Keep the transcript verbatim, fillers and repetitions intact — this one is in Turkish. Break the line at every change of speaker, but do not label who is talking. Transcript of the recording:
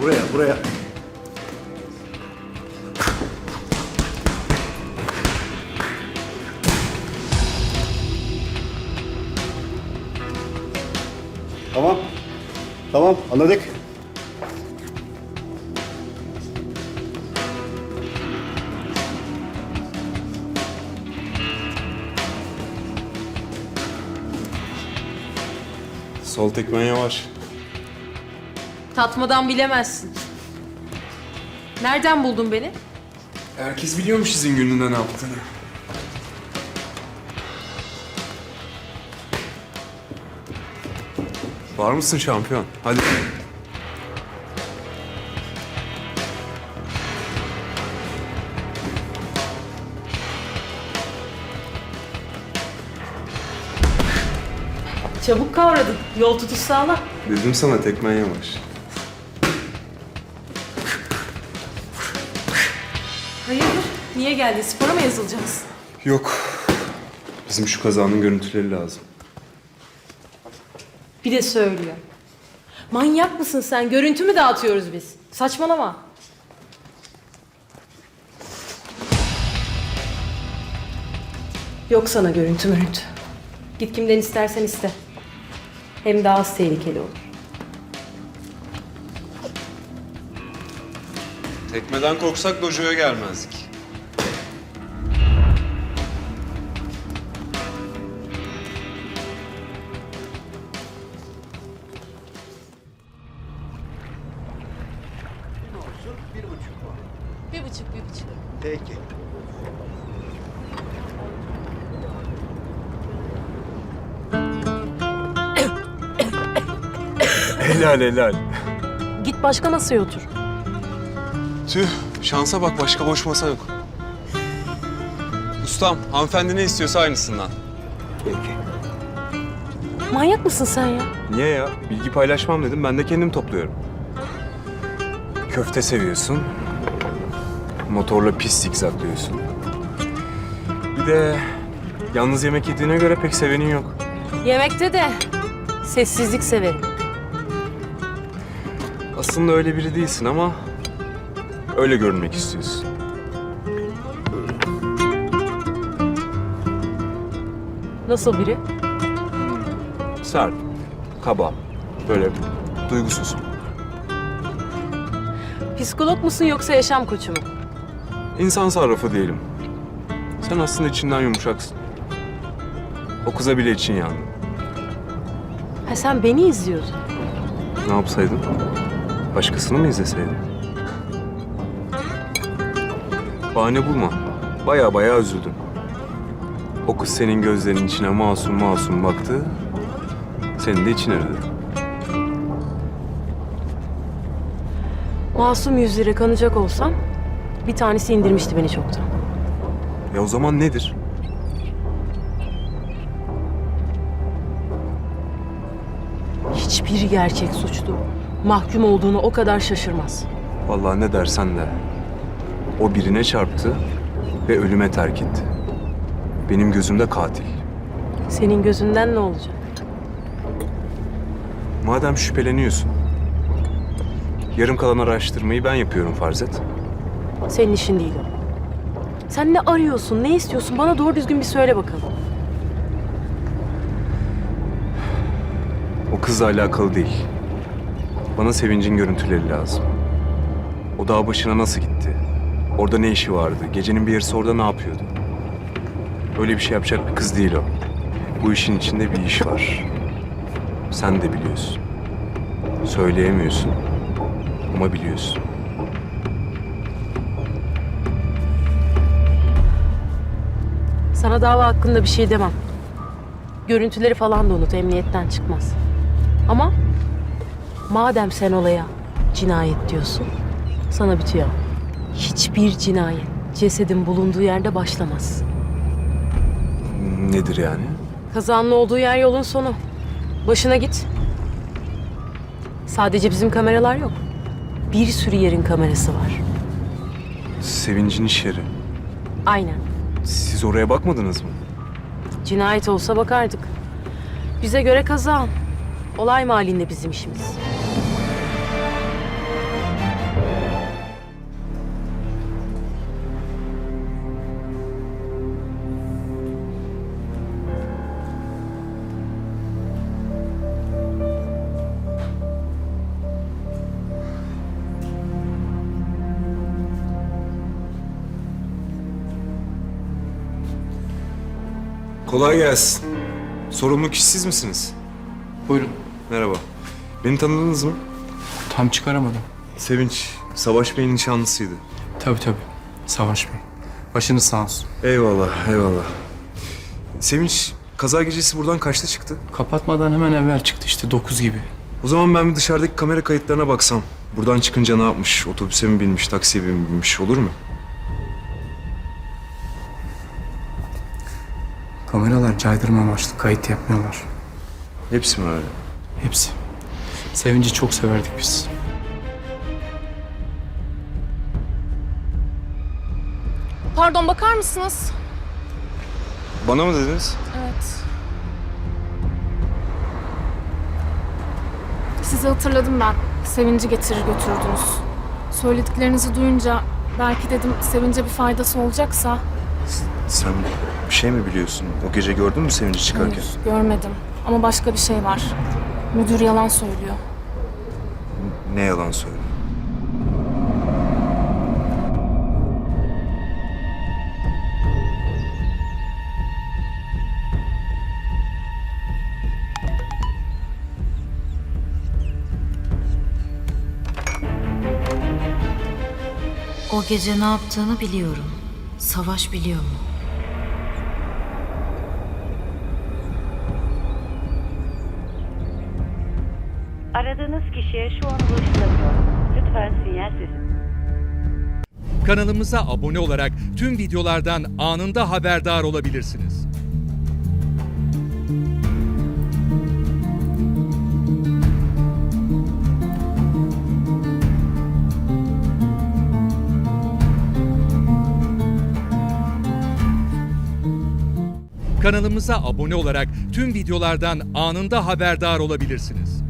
Buraya, buraya. Tamam. Tamam, anladık.
Sol tekmen yavaş.
Tatmadan bilemezsin. Nereden buldun beni?
Herkes biliyormuş sizin gününde ne yaptığını. Var mısın şampiyon? Hadi.
Çabuk kavradın. Yol tutuş sağlam.
Dedim sana tekmen yavaş.
Hayırdır? Niye geldin? Spora mı yazılacağız?
Yok. Bizim şu kazanın görüntüleri lazım.
Bir de söylüyor. Manyak mısın sen? Görüntü mü dağıtıyoruz biz? Saçmalama. Yok sana görüntü mürüntü. Git kimden istersen iste. Hem daha az tehlikeli olur.
Tekmeden korksak dojoya gelmezdik.
Bir buçuk, bir buçuk.
Peki.
Helal helal.
Git başka masaya otur.
Tüh, şansa bak başka boş masa yok. Ustam, hanımefendi ne istiyorsa aynısından.
Peki.
Manyak mısın sen ya?
Niye ya? Bilgi paylaşmam dedim, ben de kendim topluyorum. Köfte seviyorsun. Motorla pis zikzaklıyorsun. Bir de yalnız yemek yediğine göre pek sevenin yok.
Yemekte de sessizlik severim.
Aslında öyle biri değilsin ama öyle görünmek istiyorsun.
Nasıl biri?
Sert, kaba, böyle duygusuz.
Psikolog musun yoksa yaşam koçu mu?
İnsan sarrafı diyelim. Sen aslında içinden yumuşaksın. O kıza bile için yandı.
Ha sen beni izliyordun.
Ne yapsaydın? Başkasını mı izleseydin? Bahane bulma. Baya baya üzüldüm. O kız senin gözlerinin içine masum masum baktı. Senin de için eridi.
Masum yüzlere kanacak olsam bir tanesi indirmişti beni çoktan.
Ya o zaman nedir?
Hiçbir gerçek suçlu mahkum olduğunu o kadar şaşırmaz.
Vallahi ne dersen de. O birine çarptı ve ölüme terk etti. Benim gözümde katil.
Senin gözünden ne olacak?
Madem şüpheleniyorsun, yarım kalan araştırmayı ben yapıyorum farz et.
Senin işin değil o. Sen ne arıyorsun, ne istiyorsun? Bana doğru düzgün bir söyle bakalım.
O kızla alakalı değil. Bana Sevinç'in görüntüleri lazım. O dağ başına nasıl gitti? Orada ne işi vardı? Gecenin bir yarısı orada ne yapıyordu? Öyle bir şey yapacak bir kız değil o. Bu işin içinde bir iş var. Sen de biliyorsun. Söyleyemiyorsun ama biliyorsun.
Sana dava hakkında bir şey demem. Görüntüleri falan da unut, emniyetten çıkmaz. Ama madem sen olaya cinayet diyorsun, sana bitiyor. Hiçbir cinayet cesedin bulunduğu yerde başlamaz.
Nedir yani?
Kazanın olduğu yer yolun sonu. Başına git. Sadece bizim kameralar yok. Bir sürü yerin kamerası var.
Sevinç'in iş yeri.
Aynen.
Siz oraya bakmadınız mı?
Cinayet olsa bakardık. Bize göre kaza. Olay mahallinde bizim işimiz.
Kolay gelsin. Sorumlu kişi siz misiniz?
Buyurun.
Merhaba. Beni tanıdınız mı?
Tam çıkaramadım.
Sevinç, Savaş Bey'in nişanlısıydı.
Tabii tabii. Savaş Bey. Başınız sağ olsun.
Eyvallah, eyvallah. Sevinç, kaza gecesi buradan kaçta çıktı?
Kapatmadan hemen evvel çıktı işte dokuz gibi.
O zaman ben bir dışarıdaki kamera kayıtlarına baksam. Buradan çıkınca ne yapmış? Otobüse mi binmiş, taksiye mi binmiş olur mu?
Kameralar caydırma amaçlı kayıt yapmıyorlar.
Hepsi mi öyle?
Hepsi. Sevinci çok severdik biz.
Pardon, bakar mısınız?
Bana mı dediniz?
Evet. Sizi hatırladım ben. Sevinci getirir götürdünüz. Söylediklerinizi duyunca belki dedim Sevinç'e bir faydası olacaksa.
Sen bir şey mi biliyorsun? O gece gördün mü Sevinç'i çıkarken?
Hayır, görmedim. Ama başka bir şey var. Müdür yalan söylüyor.
Ne yalan söylüyor?
O gece ne yaptığını biliyorum. Savaş biliyor mu?
Aradığınız kişiye şu an ulaşılamıyor. Lütfen sinyal sesini.
Kanalımıza abone olarak tüm videolardan anında haberdar olabilirsiniz. Kanalımıza abone olarak tüm videolardan anında haberdar olabilirsiniz.